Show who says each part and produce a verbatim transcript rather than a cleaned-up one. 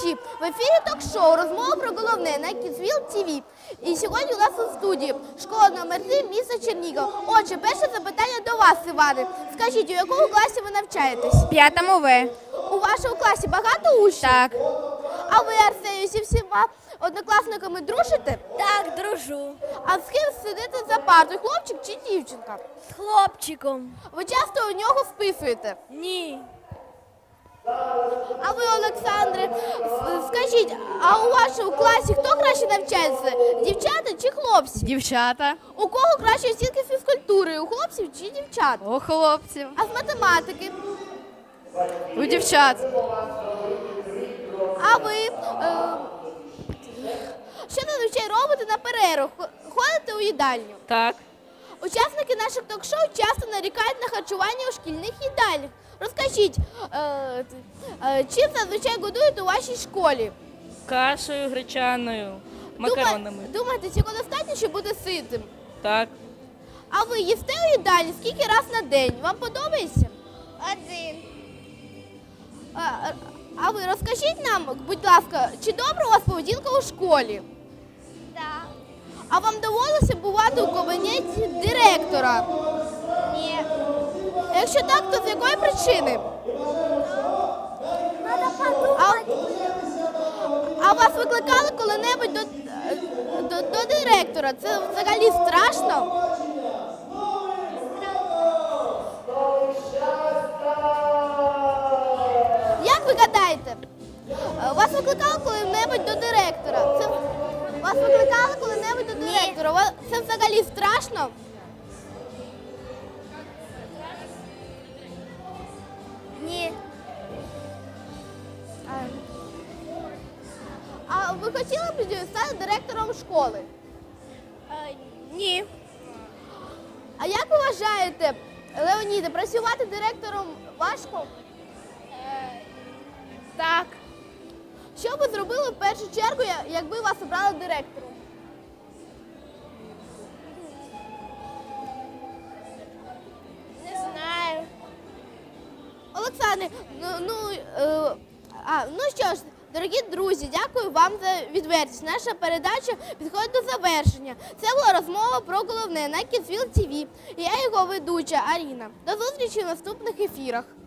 Speaker 1: глядачі! В ефірі ток-шоу «Розмова про головне» на Kidsville ті ві. І сьогодні у нас у студії школа номер три міста Чернігів. Отже, перше запитання до вас, Іване. Скажіть, у якому класі ви навчаєтесь?
Speaker 2: В п'ятому В.
Speaker 1: У вашому класі багато учнів?
Speaker 2: Так.
Speaker 1: А ви, Арсенію, зі всіма однокласниками дружите?
Speaker 3: Так, дружу.
Speaker 1: А з ким сидите за партою, хлопчик чи дівчинка?
Speaker 3: З хлопчиком.
Speaker 1: Ви часто у нього списуєте?
Speaker 3: Ні.
Speaker 1: А ви, Олександре, с- скажіть, а у вашому класі хто краще навчається? Дівчата чи хлопці?
Speaker 2: Дівчата.
Speaker 1: У кого краще оцінки з фізкультури? У хлопців чи дівчат?
Speaker 2: У хлопців.
Speaker 1: А з математики?
Speaker 2: У дівчат.
Speaker 1: А ви е, що зазвичай робите на перерву? Х- Ходите у їдальню?
Speaker 2: Так.
Speaker 1: Учасники наших ток-шоу часто нарікають на харчування у шкільних їдальнях. Розкажіть, е, е, чим зазвичай годують у вашій школі?
Speaker 4: Кашею гречаною, макаронами.
Speaker 1: Дума- Думаєте, цього достатньо, щоб бути ситим?
Speaker 4: Так.
Speaker 1: А ви їсте у їдальні скільки раз на день? Вам подобається?
Speaker 3: Один.
Speaker 1: А, а- а ви розкажіть нам, будь ласка, чи добра у вас поведінка у школі?
Speaker 3: Так.
Speaker 1: А вам довелося бувати у кабінеті директора?
Speaker 3: Ні.
Speaker 1: Якщо так, то з якої причини?
Speaker 3: Надо
Speaker 1: А,
Speaker 3: подумати.
Speaker 1: а вас викликали коли-небудь до, до, до директора? Це взагалі страшно? Як ви гадаєте? е, Вас викликали коли-небудь до директора? Це, вас викликали коли-небудь до директора? Ва- Це взагалі страшно?
Speaker 3: Ні.
Speaker 1: А ви хотіли б стати директором школи?
Speaker 3: Ні.
Speaker 1: А як ви вважаєте, Леоніде, працювати директором важко?
Speaker 3: Так.
Speaker 1: Що ви зробили в першу чергу, я- якби вас обрали директором?
Speaker 3: Не знаю.
Speaker 1: Олександре, ну, ну, е, а, ну що ж, дорогі друзі, дякую вам за відвертість. Наша передача підходить до завершення. Це була розмова про головне на Kidsville ті ві. І я його ведуча Аріна. До зустрічі в наступних ефірах.